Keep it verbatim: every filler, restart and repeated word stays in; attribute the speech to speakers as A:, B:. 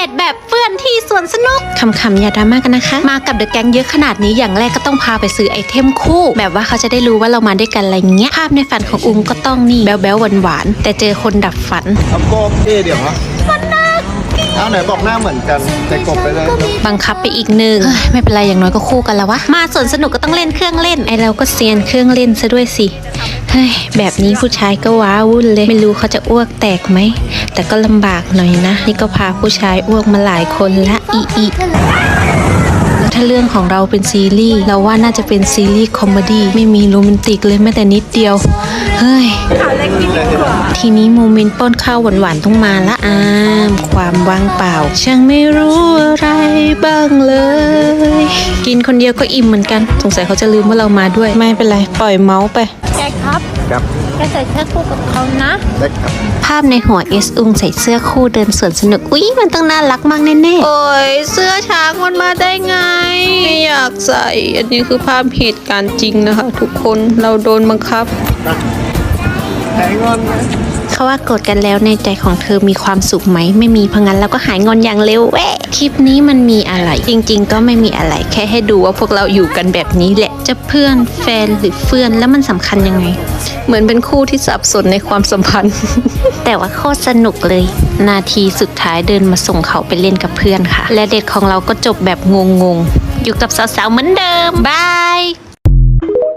A: ตแบบเฟื่อนที่สวนสนุกคำๆอย่าดราม่ากันนะคะมากับเดอะแก๊งเยอะขนาดนี้อย่างแรกก็ต้องพาไปซื้อไอเทมคู่แบบว่าเขาจะได้รู้ว่าเรามาด้วยกันอะไรเงี้ยภาพในฝันของอุ้มก็ต้องนี่แบ๊วๆหวานๆแต่เจอคนดับฝัน
B: เอากบเอ๊เดี๋ยวนะเอาไหนบอกหน้าเหมือนกันแต่กบไปเลย
A: บังคับไปอีกหนึ่งไม่เป็นไรอย่างน้อยก็คู่กันแล้ววะมาสวนสนุกก็ต้องเล่นเครื่องเล่นไอเราก็เซียนเครื่องเล่นซะด้วยสิเฮ้ยแบบนี้ผู้ชายก็ว้าวุ่นเลยไม่รู้เขาจะอ้วกแตกไหมแต่ก็ลำบากหน่อยนะนี่ก็พาผู้ชายอ้วกมาหลายคนละอีอีแล้วถ้าเรื่องของเราเป็นซีรีส์เราว่าน่าจะเป็นซีรีส์คอมเมดี้ไม่มีโรแมนติกเลยแม้แต่นิดเดียวเฮ้ยทีนี้โมเมนต์ป้อนข้าวหวานๆต้องมาละอามความว่างเปล่าช่างไม่รู้อะไรบ้างเลยกินคนเดียวก็อิ่มเหมือนกันสงสัยเขาจะลืมว่าเรามาด้วยไม่เป็นไรปล่อยเมาส์ไป
C: แกครับ
B: ครับ
C: แกใส่เสื้อคู่กับเขานะ
B: ได้ครับ
A: ภาพในหัวเอสอุงใส่เสื้อคู่เดินสวนสนุกอุ๊ยมันต้องน่ารักมากแน่ๆโอ้ยเสื้อช้างมันมาได้ไงไม่อยากใส่อันนี้คือภาพเหตุการณ์จริงนะคะทุกคนเราโดนบังคับ
B: หายงอนไหม
A: เขาว่าโกรธกันแล้วในใจของเธอมีความสุขไหมไม่มีเพราะงั้นเราก็หายงอนอย่างเร็วแวะคลิปนี้มันมีอะไรจริงๆก็ไม่มีอะไรแค่ให้ดูว่าพวกเราอยู่กันแบบนี้แหละจะเพื่อนแฟนหรือเฟื่อนแล้วมันสำคัญยังไงเหมือนเป็นคู่ที่สับสนในความสัมพันธ์ แต่ว่าโคตรสนุกเลยนาทีสุดท้ายเดินมาส่งเขาไปเล่นกับเพื่อนค่ะและเด็กของเราก็จบแบบงงๆอยู่กับสาวๆเหมือนเดิมบาย